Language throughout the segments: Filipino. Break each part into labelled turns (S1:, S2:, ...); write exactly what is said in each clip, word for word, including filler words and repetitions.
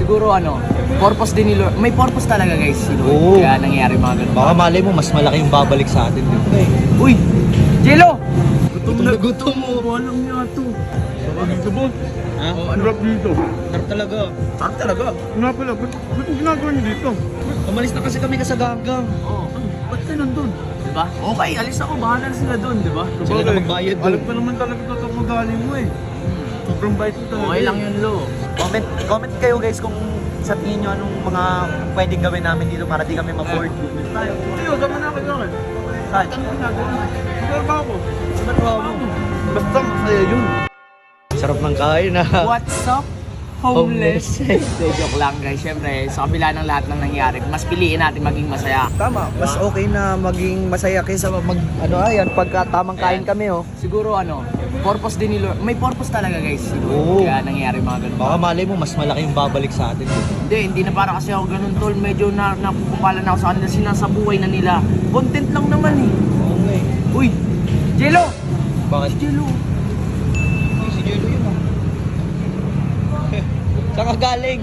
S1: Siguro ano, purpose din ni Lord. May purpose talaga guys si Lord.
S2: Oo.
S1: Kaya nangyayari mga ganun.
S2: Baka malay mo, mas malaki yung babalik sa atin. Di ba eh?
S1: Uy! Jello!
S2: Gutom na gutom mo.
S1: Alam niya ito.
S3: Sarap dito, boss.
S2: Ha?
S1: Oh,
S3: Ang sarap dito.
S2: Sarap talaga.
S1: Sarap talaga.
S3: Nga pala, ba't ba't ang ginagawa niyo dito?
S2: Umalis na kasi kami kasaganggang.
S1: Oo. Oh, ba't ka nandun? Diba? Okay, alis ako. Bahala na sila dun, diba?
S2: Sila na magbayad doon.
S3: Alam ko naman talaga ito ang magaling mo eh. Sobrang bait mo talaga.
S1: Okay lang yun, Lo.
S2: Comment, comment kayo guys kung sa tingin nyo anong mga pwedeng gawin namin dito para di kami ma-board.
S3: Tayo. Tiyo, sama na kayo akin.
S2: Saan?
S3: Ano ginagawa mo? Ginagawa ko.
S2: Saan mo?
S3: Basta masaya yun.
S2: Sarap ng kain na.
S1: What's up? Homeless. Hindi, joke lang guys. Siyempre, sa kabila ng lahat ng nangyari, mas piliin natin maging masaya.
S2: Tama, mas okay na maging masaya kaysa mag, ano ayan, pagka tamang kain kami oh.
S1: Siguro ano, purpose din ni Lord. May purpose talaga guys si Lord.
S2: Oo.
S1: Kaya nangyayari mga ganun.
S2: Baka malay mo, mas malaki yung babalik sa atin.
S1: Hindi, hindi na para kasi ako ganun tol. Medyo na, napupupalan ako sa kanila. Sinasabuhay na nila. Content lang naman eh.
S2: Okay.
S1: Uy! Jello!
S2: Bakit?
S1: Si Jello.
S2: Ay, si Jello yun ah. Saan ka galing?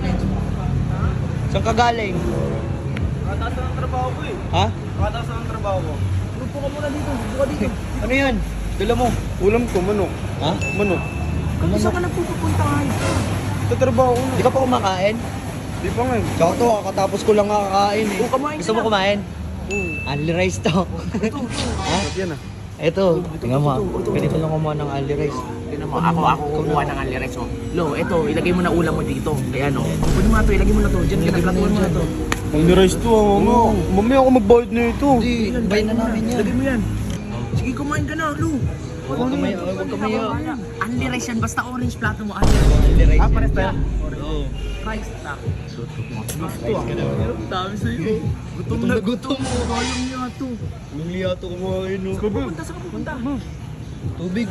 S2: Saan ka galing?
S3: Nakataas ng trabaho ko eh.
S2: Ha?
S3: Nakataas ng trabaho ko.
S1: Lupo ka muna dito. Lupo ka dito.
S2: Ano yan? Dala mo.
S3: Ulam ko, manok.
S2: Ha?
S3: Manok.
S1: Kung saan ka nagpupunta ngayon?
S3: Sa trabaho ko na.
S2: Di ka pa kumakain?
S3: Di pa nga eh.
S2: Tsaka to, kakatapos ko lang kakain eh.
S1: Oo, kumain
S2: Gusto
S1: ka
S2: mo
S1: na.
S2: kumain?
S3: Oo.
S2: Only rice to. Ha?
S3: Ba't yan ah?
S2: Ito, tingnan mo. Ganito lang kumuha ng only rice.
S1: Tignan mo, ako, ako kukuha ng alirex. Oh. Lo, ito, ilagay mo na ulam mo dito. Kaya ano, pwede mo na to, ilagay mo na to. Diyan, kinaplatuan mo na to.
S3: Ang nirise to ah, mama. Mamaya ako magbayad na ito.
S2: Hindi, bay na namin yan.
S1: Ilagay mo yan. Sige, kumain ka na, Lo.
S2: Huwag ka may, huwag ka may.
S1: Alirex yan, basta orange plato mo. Alirex.
S2: Only rice.
S3: Ah, pares tayo?
S2: Oo.
S1: Rice tak. Sutok mo.
S3: Gusto ah.
S1: Dami sa'yo.
S2: Gutom na gutom mo.
S1: Kayang niya to.
S2: Nung liyato kumain no.
S1: Pupunta sa pupunta.
S2: Tubig.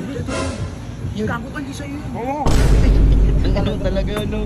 S1: Gago ka di sa'yo.
S3: Oo.
S2: Ang ano talaga ano.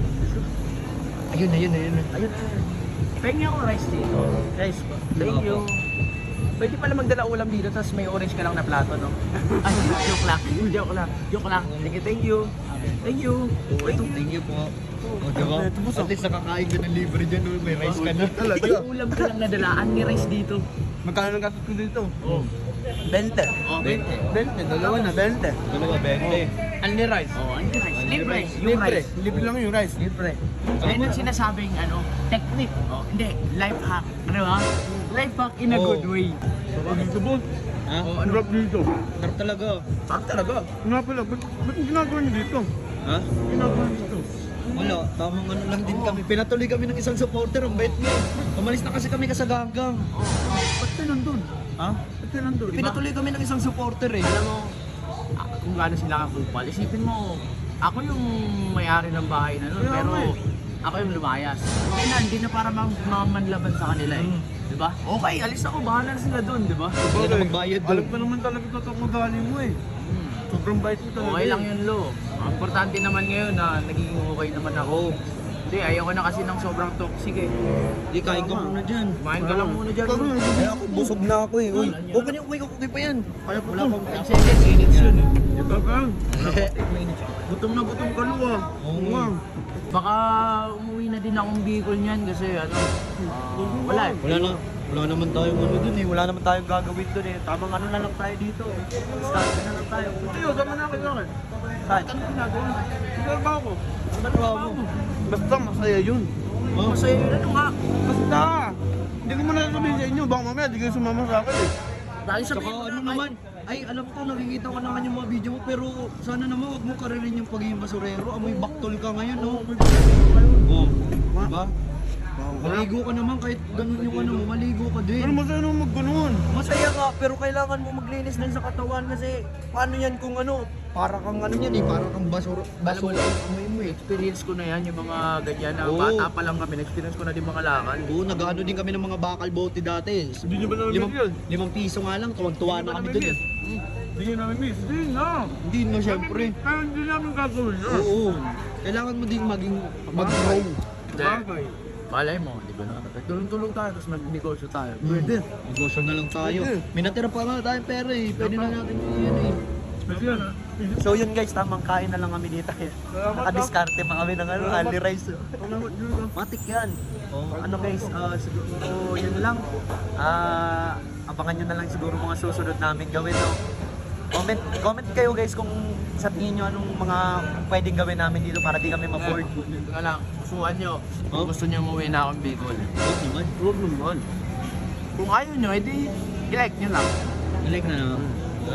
S2: Ayun, ayun, ayun.
S1: Ayun. Pengi ako rice dito. Rice po. Thank you. Pwede pala magdala ulam dito, tapos may orange ka lang na plato, no? Ay, joke lang. Joke lang. Joke lang. Thank you, thank you. Thank you. Ito.
S2: Thank you po. O diba? At least nakakain ka ng libre dyan, no? May rice ka na.
S3: Talaga.
S1: May ulam ka lang nadalaan ni rice dito.
S3: Magkano ng gastos ko dito?
S1: Oh.
S3: twenty.
S1: Oh, twenty.
S3: twenty, dalawa na, twenty.
S2: Dalawa, bente.
S3: Only rice.
S1: Oh, ano yung rice? Libre. Yung
S3: Libre.
S1: rice.
S3: Libre lang yung rice.
S1: Libre. Ayun yung sinasabing ano, technique. Oh, hindi, life hack. Ano ba? Life hack in a
S2: Oh.
S1: good way.
S3: Sarap dito, boss.
S2: Ha?
S3: Ang sarap dito.
S2: Sarap talaga.
S1: Sarap talaga.
S3: Nga pala, ba't ba't ang ginagawa niyo dito?
S2: Ha?
S3: Ginagawa niyo dito?
S2: Wala, tamang ano lang din kami. Pinatuloy kami ng isang supporter, ang bait niya. Umalis na kasi kami kasaganggang.
S1: Ba't ka nandun?
S2: Ha?
S3: Ba't ka nandun?
S2: Pinatuloy kami ng isang supporter eh.
S1: Alam mo, ah, kung gaano sila kakupal, isipin mo, ako yung may-ari ng bahay na nun,
S3: Kaya
S1: pero
S3: nga eh.
S1: ako yung lumayas. Hindi na, hindi na para mang mamanlaban sa kanila eh. Di ba? Okay, alis ako, bahala na sila dun, di ba?
S2: Sila na magbayad doon.
S3: Alam ko naman talaga ito ang magaling mo eh.
S1: Hmm.
S3: Sobrang bait mo talaga.
S1: Okay
S3: eh.
S1: lang yun, Lo. Ang importante naman ngayon na nagiging okay naman ako. Hindi, ayoko na kasi ng sobrang toxic eh.
S2: Di, kain ka muna dyan.
S1: Kumain ka lang muna dyan.
S3: Sabi
S1: Lo.
S3: mo,
S2: Kaya ako, busog na ako eh. Uy, huwag ka niyo, uy, okay pa yan.
S3: Kaya po
S1: Wala
S3: to.
S1: pang ang seconds, minutes yun eh.
S3: Ito ka.
S1: Minutes yun.
S3: Gutom na gutom ka lo ah.
S2: Oo
S3: Oo nga.
S1: Baka umuwi na din akong Bicol niyan kasi ano, ah, wala eh.
S2: Wala na. Wala naman tayong ano dun eh. Wala naman tayong gagawin dun eh. Tamang ano na lang tayo dito eh. Start na lang tayo.
S3: Tiyo, sama na kayo akin.
S2: Saan?
S3: Ano ginagawa mo? Ginagawa ko.
S2: Ba't ba mo?
S3: Basta masaya yun.
S2: Oh,
S1: Masaya yun ano nga.
S3: Basta. Hindi ko muna sabihin sa inyo. Baka mamaya di kayo sumama sa akin eh.
S1: Dahil
S2: Saka
S1: sabihin mo
S2: ano
S1: na
S2: naman, ay alam ko nakikita ko naman yung mga video mo pero sana naman wag mo karirin yung pagiging basurero. Amoy baktol ka ngayon, no? Oo. Diba? Maligo ka naman kahit ganun yung ano mo, maligo ka din.
S3: Ano masaya naman mag-ganon?
S2: Masaya nga, pero kailangan mo maglinis din sa katawan kasi paano yan kung ano, para kang ano yan eh, para kang basura,
S1: Alam mo,
S2: basura amoy mo eh.
S1: experience ko na yan, yung mga ganyan na
S2: Oo.
S1: bata pa lang kami, experience ko na din mga lakad.
S2: Oo, nag-ano din kami ng mga bakal bote dati.
S3: Hindi nyo ba namin
S2: Limang,
S3: miss yun?
S2: limang piso nga lang, tuwang-tuwa
S3: Hindi
S2: na
S3: nyo
S2: kami
S3: namin
S2: doon eh.
S3: miss? Hindi nyo namin miss? Hindi na.
S2: Hindi na syempre.
S3: Kaya hindi namin gagawin yun.
S2: Oo. Kailangan mo din maging mag-grow.
S3: Bagay.
S1: Malay mo, di ba na? Tulong-tulong tayo, tapos mag-negosyo tayo.
S3: Pwede.
S2: Negosyo na lang tayo.
S3: Pwede.
S2: May natira pa nga tayong pera eh. Pwede na natin yan eh.
S3: Special.
S2: So yun guys, tamang kain na lang kami dito. Nakadiskarte pa kami ng ano, Ali Rice. Matik yan. Oh, ano guys, ah, siguro yun lang. Ah, abangan nyo na lang siguro mga susunod namin gawin. No? Comment, comment kayo guys kung sa tingin nyo anong mga pwedeng gawin namin dito para di kami ma-board.
S1: Ito lang, kusuhan nyo.
S2: Oh?
S1: Kung gusto nyo umuwi na akong Bicol.
S2: Huwag naman.
S1: Huwag naman. Kung ayaw nyo, edi i-like nyo lang.
S2: I-like na naman.